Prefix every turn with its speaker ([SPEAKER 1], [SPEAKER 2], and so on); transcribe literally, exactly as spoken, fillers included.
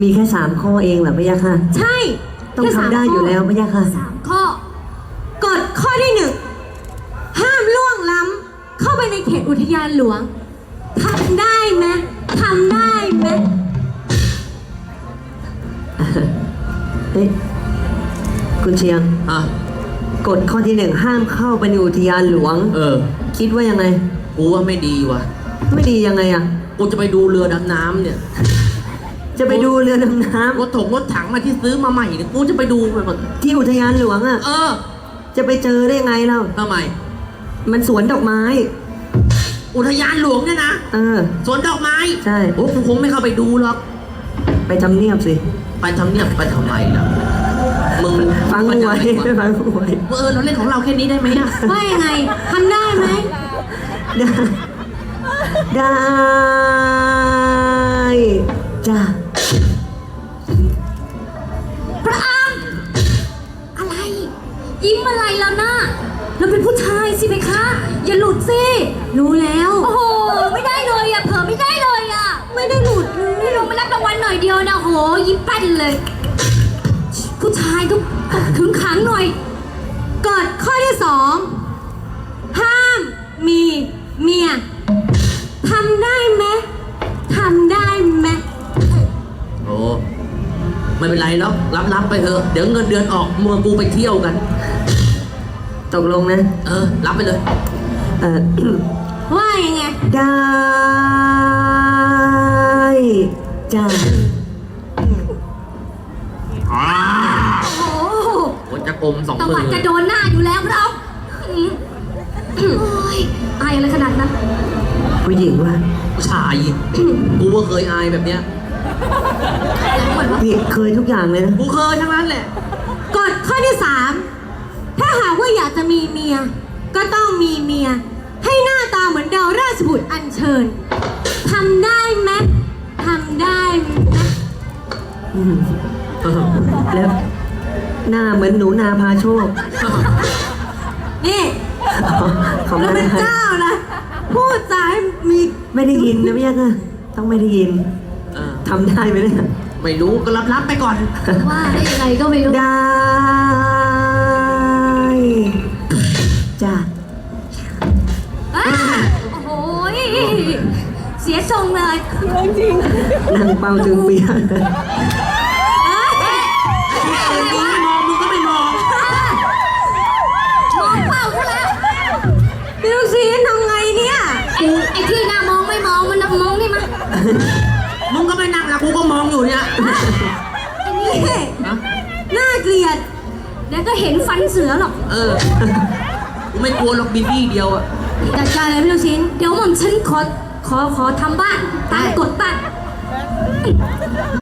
[SPEAKER 1] มีแค่สามข้อเองเหรอพะยะค่ะ
[SPEAKER 2] ใช่
[SPEAKER 1] ต้องทำได้อยู่แล้วพะยะค่ะ
[SPEAKER 2] สามข้อกฎข้อที่หนึ่งห้ามล่วงล้ำเข้าไปในเขตอุทยานหลวงทำได้ไหมทำได้ไหม
[SPEAKER 1] เฮ้ยคุณเชียง
[SPEAKER 3] อ่ะ
[SPEAKER 1] กฎข้อที่หนึ่งห้ามเข้าไปในอุทยานหลวง
[SPEAKER 3] เออ
[SPEAKER 1] คิดว่ายังไง
[SPEAKER 3] กูว่าไม่ดีว่ะ
[SPEAKER 1] ไม่ดียังไงอ่ะ
[SPEAKER 3] กูจะไปดูเรือดำน้ำเนี่ย
[SPEAKER 1] จะไปดูเรือดำน้
[SPEAKER 3] รถถงรถถังมาที่ซื้อมาใหม่เนี่ย กูจะไปดูไปหมด
[SPEAKER 1] ำที่อุทยานหลวงอ่ะ
[SPEAKER 3] เออ
[SPEAKER 1] จะไปเจอได้ไงเล่า
[SPEAKER 3] ทำไม
[SPEAKER 1] มันสวนดอกไม้
[SPEAKER 3] อุทยานหลวงเนี่ยนะ
[SPEAKER 1] เออ
[SPEAKER 3] สวนดอกไม้
[SPEAKER 1] ใช่
[SPEAKER 3] โอ้กูคงไม่เข้าไปดูหรอก
[SPEAKER 1] ไปทำเนียบสิ
[SPEAKER 3] ไปทำเนียบไปทำไมล่ะ มึง
[SPEAKER 1] ฟัง
[SPEAKER 3] มัน
[SPEAKER 1] ไว้
[SPEAKER 3] จะ
[SPEAKER 1] ฟังไว้
[SPEAKER 3] เออ เราเล่นของเราแค่นี้ได้ไหมอ่ะ
[SPEAKER 2] ว่ายังไงทำได้ไหม
[SPEAKER 1] ได้ได้จ้า
[SPEAKER 2] พระอามอะไร ยิ้มอะไรแล้วนะเราเป็นผู้ชายสิเพคะอย่าหลุดสิรู้แล้วโอ้โหไม่ได้เลยอะเผลอไม่ได้เลยอะไม่ได้หลุดเลยลงมารับรางวัลหน่อยเดียวนะโหยิ้มแป้นเลย ผู้ชายต้องขึงขังหน่อยกฎข้อที่สองห้ามมีเมียทำได้ไหมทำได้ไหม
[SPEAKER 3] โอ้ไม่เป็นไรแล้วรับรับไปเถอะ เดี๋ยวเงินเดือนออกมัวกูไปเที่ยวกัน
[SPEAKER 1] ตกลงนะ
[SPEAKER 3] เออ รับไปเลย
[SPEAKER 1] เออ
[SPEAKER 2] ว่ายังไง
[SPEAKER 1] ได้จ้า
[SPEAKER 2] โอ้โห
[SPEAKER 3] โอ้จะกลมสอง
[SPEAKER 2] ตะ
[SPEAKER 3] มื
[SPEAKER 2] วั
[SPEAKER 3] อ
[SPEAKER 2] ดจะโดนหน้าอยู่แล้วเราอืมอืมโอ้ยอายอะไรขนาดนั้น
[SPEAKER 1] ผู้หญิงว่ะ
[SPEAKER 3] ผู้ชาย กูก็เคยอายแบบเนี้ย
[SPEAKER 2] เหมือนว่า
[SPEAKER 1] พี่เคยทุกอย่างเลยนะ
[SPEAKER 3] กูเคยทั้งนั้นแหละ
[SPEAKER 2] กฎข้อที่สามถ้าหากว่าอยากจะมีเมีย ก็ต้องมีเมีย ให้หน้าตาเหมือนดาวราชบุตรอัญเชิญทำได้ไหมทำได้ไหม
[SPEAKER 1] อืมแล้วหน้าเหมือนหนูนาพาโชค
[SPEAKER 2] นี่
[SPEAKER 1] เขา
[SPEAKER 2] เรา
[SPEAKER 1] ไม่
[SPEAKER 2] เป็น
[SPEAKER 1] ได้
[SPEAKER 2] เจ้านะพูดจาให้มี
[SPEAKER 1] ไม่ได้ยินนะพี่ยักษ์อะต้องไม่ได้ยิน
[SPEAKER 3] เออ
[SPEAKER 1] ทำได้ไหมเนี่ย
[SPEAKER 3] ไม่รู้ก็รับรับไปก่อน
[SPEAKER 2] ว่าได้ยังไงก็ไม่รู้
[SPEAKER 1] ได้จ้า
[SPEAKER 2] อ่ะโอ้โหเสียทรงเลย
[SPEAKER 1] นั่งเป่าจึงเปียก
[SPEAKER 2] เอ้ย
[SPEAKER 3] มึงไม่มองมึงก็ไม่มอง
[SPEAKER 2] มองเปล่าซะแล้วพี่ลูกศิษย์ทำไงเนี่ยกูไอ้ที่หน้ามองไม่มองมันนะมองนี่มา
[SPEAKER 3] มึงก็ไม่นั่งละกูก็มองอยู่เนี่ย
[SPEAKER 2] ไอ้นี่
[SPEAKER 3] ฮะ
[SPEAKER 2] น่าเกลียดเดี๋ยวก็เห็นฟันเสือหรอก
[SPEAKER 3] เออ กูไม่กลัวหรอกบินบี้เดียวอะ
[SPEAKER 2] จัดการเลยพี่ลูกศิษย์เดี๋ยวหม่อมฉันขอขอขอทำบ้านตามกฎบ้าน